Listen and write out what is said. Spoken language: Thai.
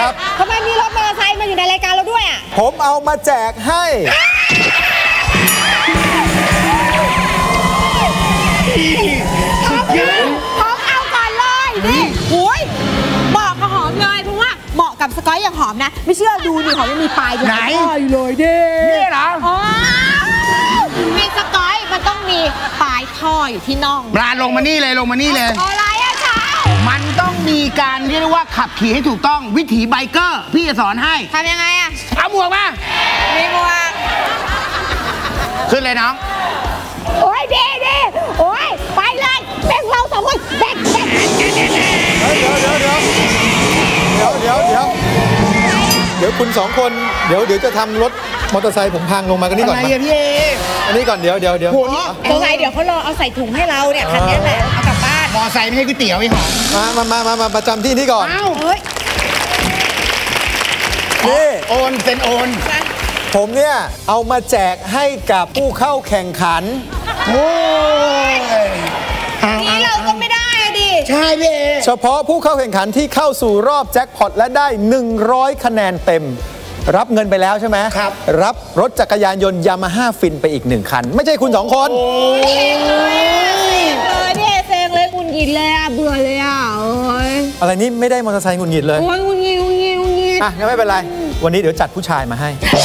ครับทำไมมีรถมอเตอร์ไซค์มาอยู่ในรายการเราด้วยอ่ะผมเอามาแจกให้หอมเอาก่อนเลยนี่โอ้ยเหมาะกับหอมเลยเพราะว่าเหมาะกับสกอยอย่างหอมนะไม่เชื่อดูนี่หอมยังมีปลายอยู่ไหนเลยดินี่เหรอมีสกอยมันต้องมีปลายท่ออยู่ที่น่องปลาลงมานี่เลยอะไรอะเช้ามันต้องมีการเรียกว่าขับขี่ให้ถูกต้องวิถีไบเกอร์พี่จะสอนให้ทำยังไงอะเอาหมวกมามีหมวกขึ้นเลยน้องโอ้ยดีโอ้ยไปเลยแบ่งเราสองคนแบ่งเดี๋ยวคุณสองคนเดี๋ยวจะทำรถมอเตอร์ไซค์ผมพังลงมากันนี่ก่อนอะไรอะพี่เออันนี้ก่อนเดี๋ยวสงสัยเดี๋ยวเขารอเอาใส่ถุงให้เราเนี่ยคันนี้แหละเอากลับบ้านมอไซค์ไม่ใช่ก๋วยเตี๋ยวไอ้หอมมาประจำที่นี่ก่อนนี่โอนเซ็นโอนผมเนี่ยเอามาแจกให้กับผู้เข้าแข่งขันโอ้ยนี่เราก็ไม่ได้อะดิใช่พี่เอเฉพาะผู้เข้าแข่งขันที่เข้าสู่รอบแจ็คพอตและได้100คะแนนเต็มรับเงินไปแล้วใช่ไหมครับรับรถจักรยานยนต์ยามาฮ่าฟินไปอีก1คันไม่ใช่คุณ2คนพี่เซงเลยคุณหงิดเลยอ่ะเบื่อเลยอ่ะอะไรนี่ไม่ได้มอเตอร์ไซค์คุณหงิดเลยโอ้ยคุณหงิดอ่ะงั้นไม่เป็นไรวันนี้เดี๋ยวจัดผู้ชายมาให้